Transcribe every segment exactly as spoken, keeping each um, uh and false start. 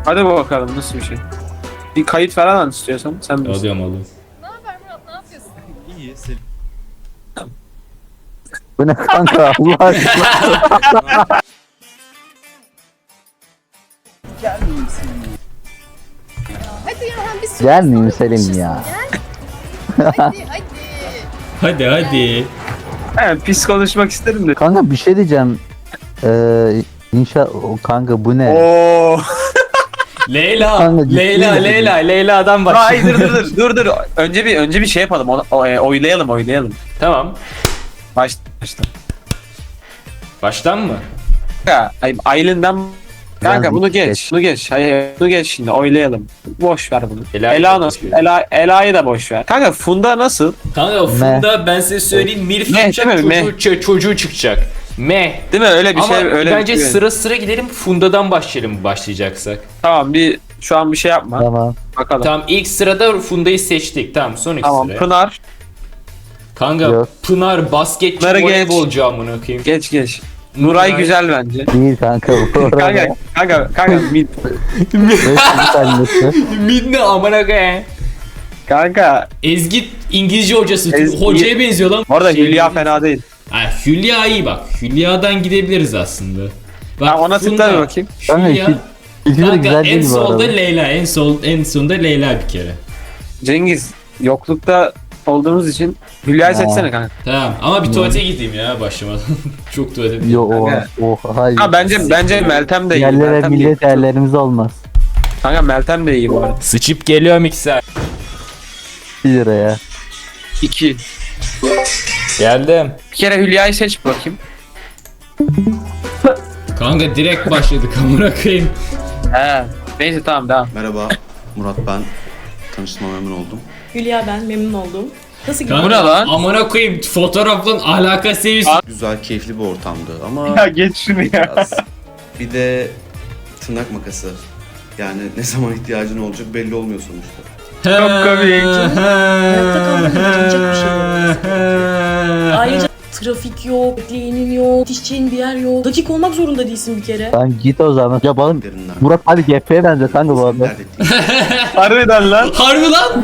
Hadi bakalım nasıl bir şey. Bir kayıt falan al istiyorsan sen bilirsin. Alıyorum alıyorum. Ne haber Murat, ne yapıyorsun? İyi. Senin Bu ne kanka Allah aşkına. Hadi ya hem bir sürü Gelmeyeyim insan Selim konuşursun, ya. Gel. Hadi hadi. Hadi hadi. He, pis konuşmak isterim de. Kanka bir şey diyeceğim. Ee, inşa o kanka bu ne? Oo. Leyla, Kanka, ciddi Leyla, misin? Leyla, Leyla'dan bak. Hayır dur dur dur dur dur. Önce bir önce bir şey yapalım. O, o- e, oylayalım oylayalım. Tamam. Baş başla. Baştan mı? Kanka, ay- Aylin'den Kanka Biraz bunu geç. geç. Bunu geç. Hayır, bunu geç şimdi oylayalım. Boş ver bunu. Ela- Ela nasıl? Ela Ela'yı da boş ver. Kanka Funda nasıl? Kanka Funda ben size söyleyeyim Milf Meh, çıkacak, değil mi? çocuğu, ço- çocuğu çıkacak. Meh. Değil mi? Öyle bir Ama şey öyle bence bir şey. sıra sıra gidelim Funda'dan başlayalım başlayacaksak. Tamam bir şu an bir şey yapma. Tamam. Bakalım. Tamam, Tamam ilk sırada Funda'yı seçtik. Tamam son iki sıraya. Pınar Kanka Yok. Pınar basketçi Pınar'ı geç. voleybolcu amına koyayım. geç geç. Nuray Nuray- güzel bence. Değil kanka bu arada. Kanka kanka kanka mid. Beş tanesi. Mid ne amına koyayım. Kanka Ezgi İngilizce hocası. Ezgi- Hocaya benziyor lan. orada Şey- Hülya fena değil. Ha, Hülya iyi bak. Hülya'dan gidebiliriz aslında. Bak, Ha, ona Funda, tıkla bir bakayım. Kanka Hülya. iki- İkisi de Kanka güzel en değil bu solda arada. Leyla, en sol en sonda Leyla bir kere. Cengiz yoklukta olduğumuz için Hülya'yı Ha. seçsene kanka. Tamam ama bir tuvalete gideyim ya başlamadan. Çok tuvalete. Yo o Kanka. o hayır. Ha bence bence Meltem de iyi. Yerlere Meltem de iyi. millet yerlerimiz olmaz. Kanka Meltem de iyi bu arada. Sıçıp geliyor mikser. bir liraya. İki. Geldim. Bir kere Hülya'yı seç bakayım. Kanka direkt başladık amına koyayım. He. Neyse tamam devam. merhaba. Murat ben. Tanıştığıma memnun oldum. Hülya ben, memnun oldum. Nasıl gidiyor? Kanka, Bu ne lan? Amına koyayım fotoğrafın alaka seviyesi. Güzel, keyifli bir ortamdı ama Ya geç şunu ya. biraz. Bir de tırnak makası. Yani ne zaman ihtiyacın olacak belli olmuyor sonuçta. Çok komik. Hayatta kalmak için bir şey Ayrıca trafik yok, bekleyenin yok, yetişeceğin bir yer yok. Dakik olmak zorunda değilsin bir kere. Lan git o zaman. Yapalım. Derinden. Murat hadi G P'ye benziyor kanka bu arada. Dert ettiğin Harbiden lan. Harbi lan.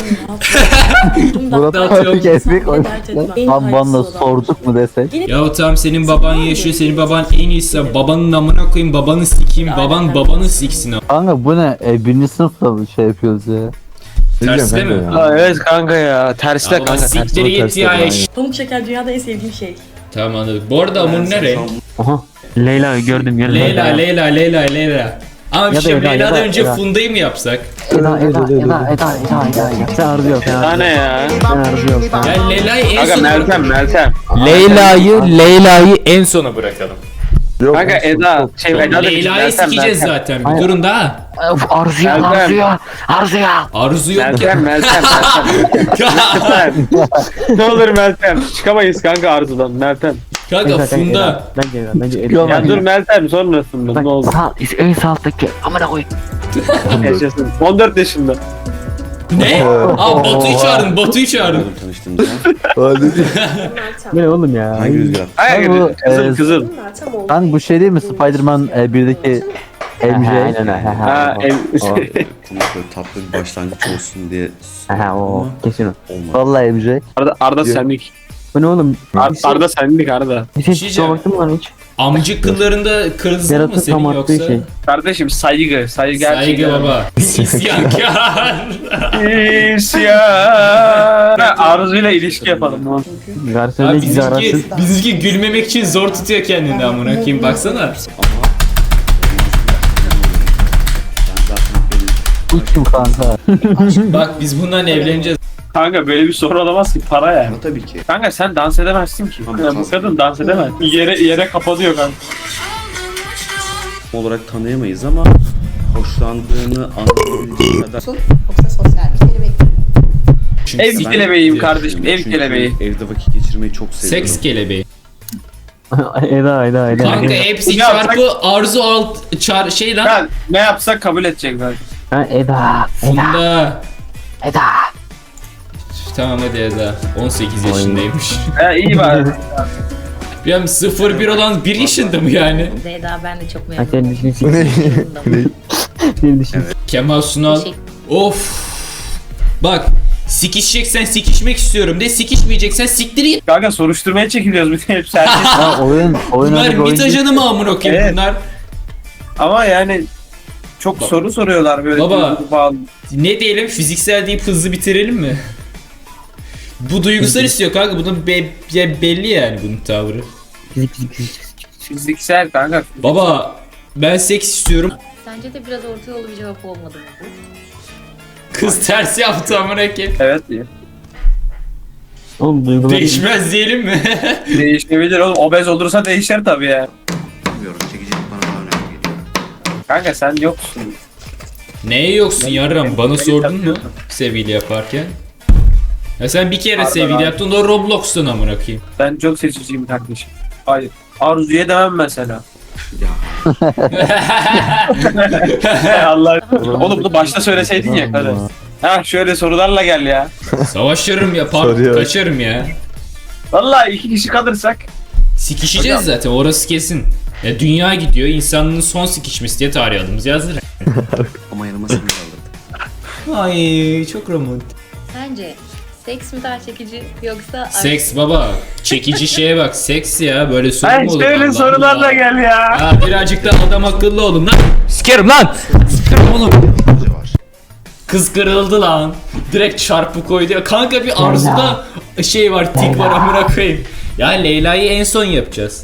Murat Dağıtıyorum. hadi G P'ye Dert koymuş. etme. En Lan bana hayırlısı olan. sorduk mu desek. Ya tamam senin baban yaşıyor, senin baban en iyisi. Babanın amına koyayım, babanı sikeyim, baban babanı siksin. Kanka bu ne? E, birinci sınıfta bir şey yapıyoruz ya. Terste mi? Ha, evet kanka ya. Terste Ama kanka. siktir terste. git ya eş. Pamuk şeker dünyada en sevdiğim şey. Tamam anladık. Bu arada Amur Yani sen ne şu renk? an Aha. Leyla gördüm gördüm. Leyla, Leyla, Leyla, Leyla. Ama bir Ya da şey Eda, Leyla'dan Eda, önce Eda. Funda'yı mı yapsak? Eda Eda Eda Eda Eda Eda Eda. Sen harbi yok. Sen Tane ya. harbi yok. Ya Leyla'yı en Kanka sona Meltem Meltem. Leyla'yı, Leyla'yı en sona bırakalım. Kanka Eda. Şey Eda demiş, Leyla'yı Meltem, sikeceğiz Meltem. zaten. Bir durun daha. Arzuya Meltem. arzuya arzuya. Arzu yok. Meltem Meltem Meltem. Ne olur Meltem. Çıkamayız kanka Arzu'dan Meltem. Kanka Funda. Bence bence Ya dur Meltem sonrasında ne oldu? Sağ, en sağ alttaki amına koy. Yaşasın. on dört yaşında. Ne? Aa Batu'yu çağırın, Batu'yu çağırın. Oğlum tanıştığımızda. Bu ne oğlum ya? Hangi rüzgar? Hayır Bu, kızıl e, kızıl. Meltem oldu. Kanka bu şey değil mi? Spider-Man e, birdeki M J. Aynen ha ha. Ha ev. Konu böyle tatlı bir başlangıç olsun diye Ha o kesin o. olmadı. Vallahi M J. Arda, Arda senlik. Bu ne oğlum? Ar Arda senlik Arda. Bir şey Şişeceğim. kusura baktın mı lan hiç? Amcık kıllarında kırmızı mı Yaratı senin tam attığı yoksa? şey. Kardeşim saygı. Saygı gerçekten. Saygı baba. İsyankar. İsyan. Arzu'yla ilişki yapalım. lan. Garsonla Abi sizi arasın. bizimki, bizimki gülmemek için zor tutuyor kendini amına koyayım baksana. Ama ben zaten benim Uçtum kanka. Bak biz bundan evleneceğiz. Kanka böyle bir soru olamaz ki para yani. ama tabii ki. Kanka sen dans edemezsin ki. Ama Ya bu kadın dans edemez. Yere yere kapatıyor kanka. olarak tanıyamayız ama hoşlandığını anlayabildiği kadar. Yoksa sosyal bir kelebek. Çünkü Ev ben- kelebeğim kardeşim. Ev Çünkü kelebeği. Evde vakit geçirmeyi çok seviyorum. Seks kelebeği. Eda Eda Eda. Kanka hepsi Ya çarpı arzu alt çar şey lan. Ya ne yapsak kabul edecek zaten. Ha Eda. Funda. Eda. Tamam hadi Eda. on sekiz yaşındaymış. He iyi bari. Ya sıfır bir olan bir yaşında mı yani? Zeyda ben de çok Ha memnunum. sen düşünsün. Bir düşün. Kemal Sunal. Teşekkür- Of. Bak. Sikişeceksen sikişmek istiyorum de, sikişmeyeceksen siktir git. Kanka soruşturmaya çekiliyoruz bir de hepsi herkes. Ha oyun oyun Bunlar oyun bit ajanı mı amına koyayım Evet. bunlar? Ama yani çok soru soruyorlar böyle. Baba. duygu bağlı. Ne diyelim, fiziksel deyip hızlı bitirelim mi? Bu duygusal istiyor kanka, bunun be- be- belli yani bunun tavrı. Fizik fizik fizik. Fiziksel kanka. Baba ben seks istiyorum. Sence de biraz orta yolu bir cevap olmadı mı bu? Kız ters yaptı amına koyayım. Evet diyor. Oğlum duygular. Değişmez diyelim mi? Değişebilir oğlum. Obez olursa değişir tabii ya. Bilmiyorum, çekicilik bana daha önemli geliyor. Kanka sen yoksun. Neye yoksun yarram? Bana Beni sordun mu takıyorsun. sevgili yaparken? Ya sen bir kere Pardon sevgili abi. yaptın, o Roblox'tan amına koyayım. Ben çok seçiciyim kardeşim. Hayır. Arzu'ya demem mesela. Ya Hay Allah. Oğlum bunu başta söyleseydin ya karı. Ha şöyle sorularla gel ya. Savaşırım ya, par Soruyor. kaçarım ya. Vallahi iki kişi kalırsak. Sikişeceğiz zaten, orası kesin. Ya dünya gidiyor, insanlığın son sikişmesi diye tarih adımız yazdır. ama yanıma seni kaldırdı. Ay çok romantik. Sence seks mi daha çekici yoksa Seks baba, çekici şeye bak, seks ya, böyle soru Ha mu olur? şöyle Allah sorularla Allah. gel ya. Ha birazcık da adam akıllı olun lan. Sikerim lan. Sikerim oğlum. var. Kız kırıldı lan. Direkt çarpı koydu ya. Kanka bir Arzu'da şey var, tik var amına koyayım. Ya Leyla'yı en son yapacağız.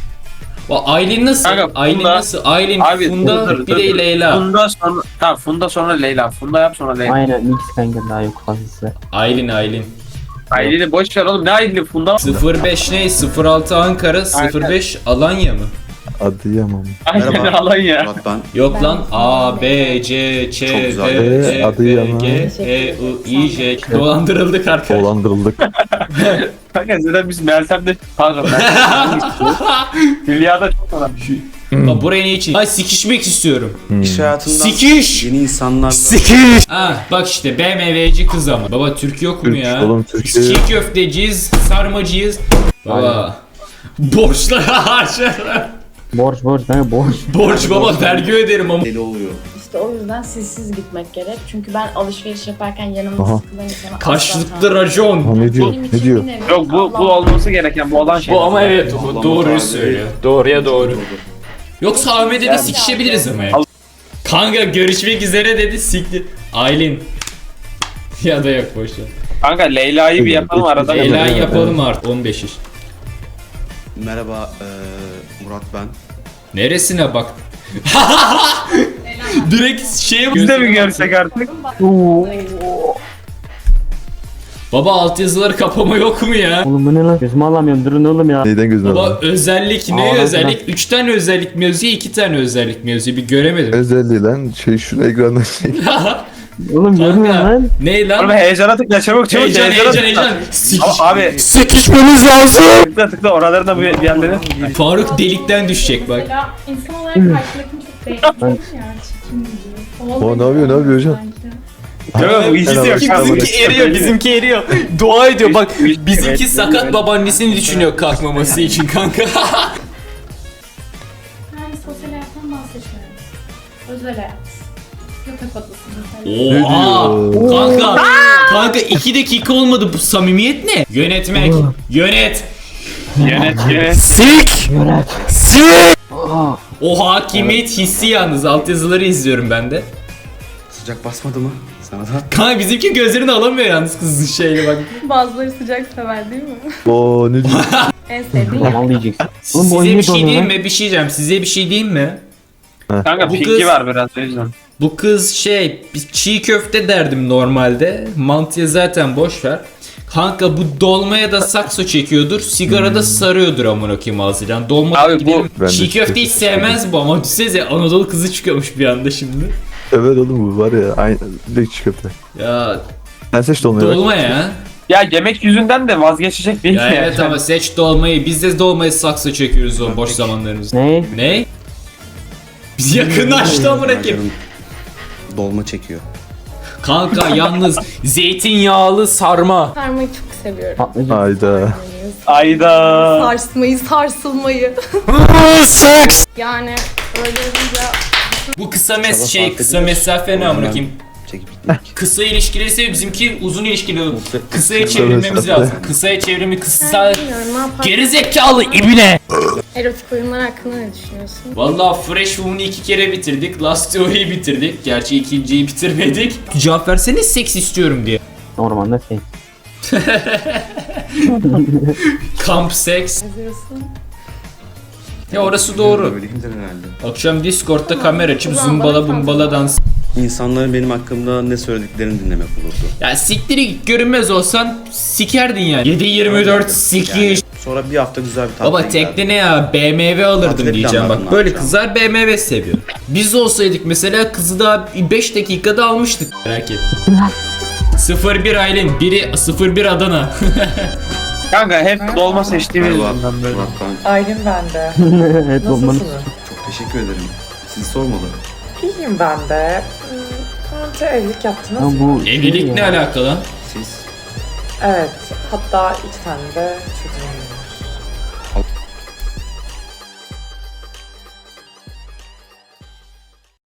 O Aylin nasıl? Kanka, Aylin Funda- nasıl? Aylin, Abi, Funda, dur, dur, bir de dur. Leyla. Funda sonra tamam Funda sonra Leyla. Funda yap sonra Leyla. Aynen mix kanka daha yok fazlası. Aylin, Aylin. Aylin'i boş ver oğlum ne Aylin'i Funda. sıfır beş ne? sıfır altı Ankara, sıfır beş Alanya mı? Adıyaman. Aylin'i Merhaba. alın ya. Murat ben. Yok lan. A, B, C, Ç, Çok D, güzel. E, Ee, adı F, yaman. G, E, U, I, J. Dolandırıldık arkadaşlar. Dolandırıldık. Kanka zaten biz Meltem'de pardon Meltem'de Hülya'da çok olan. Bak buraya ne için? Ay sikişmek istiyorum. İş hayatından Sikiş! yeni insanlar. Sikiş! Ha bak işte B M W'ci kız ama. Baba Türk yok mu Türk, ya? oğlum, Türkiye- Biz çiğ köfteciyiz, sarmacıyız. Baba. Borçlara harcarlar. Borç borç kanka borç. Borç baba, vergi öderim ama. Deli oluyor. İşte o yüzden sizsiz gitmek gerek. Çünkü ben alışveriş yaparken yanımda Aha. sıkılan insana asla Karşılıklı tahammül racon. Ha, ne diyor? Benim için Ne diyor? bir nevi Yok bu bu Allah- olması gereken bu olan şey. Bu ama evet, o Allah'ım doğruyu abi. söylüyor. Doğruya doğru. Yoksa Ahmet'e de sikişebiliriz ama ya. Kanka görüşmek üzere dedi, sikti. Aylin. Ya da yok boşver. Kanka Leyla'yı bir yapalım arada. Leyla yapalım artık on beş iş. Merhaba eee, Murat ben. Neresine bak? Direkt şeye Biz de mi görsek artık? Baba altyazıları kapama yok mu ya? Oğlum bu ne lan? Gözümü alamıyorum durun oğlum ya. Neyden gözüne Baba aldın? özellik ne Aa, özellik? Üç tane özellik mi yazıyor, iki tane özellik mi yazıyor? Bir göremedim. Özelliği lan şey şunu ekrandan çek. Oğlum görmüyorum Kanka, lan. ne lan? Oğlum heyecana tıkla çabuk çabuk Heyecan heyecana heyecan tıkla. heyecan. Sikiş. Ama abi Sikişmemiz lazım. tıkla tıkla oralarına bu yerleri. Faruk delikten düşecek bak. Mesela insan olarak karşıdakini çok beğenmiyorum ya. Çirkin gibi. O ne yapıyor, ne yapıyor hocam? Yok bu ikisi yok. Bizimki eriyor, bizimki eriyor. Dua ediyor bak. Üç- Bizimki evet, sakat evet. babaannesini düşünüyor kalkmaması için kanka. Yani sosyal hayattan bahsetmiyorum. Özel hayat. Yatak odası mesela. Oha! Kanka, kanka iki dakika olmadı, bu samimiyet ne? Yönetmek, yönet. Yönet yönet. Sik! Yönet. Sik! Aa, O hakimiyet hissi yalnız, altyazıları izliyorum ben de. Sıcak basmadı mı? Sana da. Kanka bizimki gözlerini alamıyor yalnız kızın şeyle bak. Bazıları sıcak sever değil mi? Oo ne diyor? En sevdiğim Yaman diyeceksin. Oğlum bu Size oyun bir ne şey donuyor diyeyim lan? mi? Bir şey diyeceğim. Size bir şey diyeyim mi? Kanka Bu pinki kız- var biraz o yüzden. Bu kız şey, biz çiğ köfte derdim normalde. Mantıya zaten boş ver. Kanka bu dolmaya da sakso çekiyordur, sigarada sarıyordur amına koyayım ağzıyla. Yani dolma Abi bu- gidelim. Ben de Çiğ çiğ köfteyi köfte sevmez bu ama düşünsenize Anadolu kızı çıkıyormuş bir anda şimdi. Evet oğlum bu var ya aynı direkt çiğ köfte. Ya Sen seç dolmayı bak. dolma ya. Ya yemek yüzünden de vazgeçecek değil Ya mi? evet ama seç dolmayı. Biz de dolmayı sakso çekiyoruz o boş zamanlarımızda. Ne? Ne? Biz yakınlaştı amına koyayım. Canım dolma çekiyor. Kanka yalnız zeytinyağlı sarma. sarmayı çok seviyorum. Patlıcan. Hayda. Ayda. Sarsmayı, sarsılmayı. Seks. Yani öyle olunca Bu kısa mes Çaba şey sarf kısa edilir. mesafe ne O amına yüzden koyayım? Çekip gitmek. Kısa ilişkileri seviyor. Bizimki uzun ilişkili. Kısaya Kısa çevirmemiz mesafe. lazım. Kısaya çevrimi kısa. Ben bilmiyorum ne yapar. Gerizekalı ibine. Erotik oyunlar hakkında ne düşünüyorsun? Valla Fresh Woman'ı iki kere bitirdik. Last Theory'yi bitirdik. Gerçi ikinciyi bitirmedik. Cevap versene seks istiyorum diye. Ormanda şey. Kamp seks. Yazıyorsun. Ya orası doğru. Öyleyimdir herhalde. Akşam Discord'da kamera açıp Ulan zumbala bana bumbala dans. İnsanların benim hakkımda ne söylediklerini dinlemek olurdu. Ya siktiri git, görünmez olsan sikerdin yani. yedi yirmi dört sikiş. Yani sonra bir hafta güzel bir tatil Baba tekne ne ya, B M W alırdım Tatile diyeceğim planladın, bak. ne Böyle yapacağım? kızlar B M W seviyor. Biz olsaydık mesela kızı daha beş dakikada almıştık. Merak etme. sıfır bir Aylin, biri sıfır bir Adana. Kanka hep dolma seçtiğimiz Merhaba, yüzünden böyle. Murat ben. Aylin bende. Evet olmanız. Nasılsınız? Çok teşekkür ederim. Sizi sormalı. İyiyim ben de. Hmm, Anca evlilik yaptınız Ama mı? bu Evlilik şey ne ya. alaka lan? Siz Evet. Hatta iki tane de çocuğum var.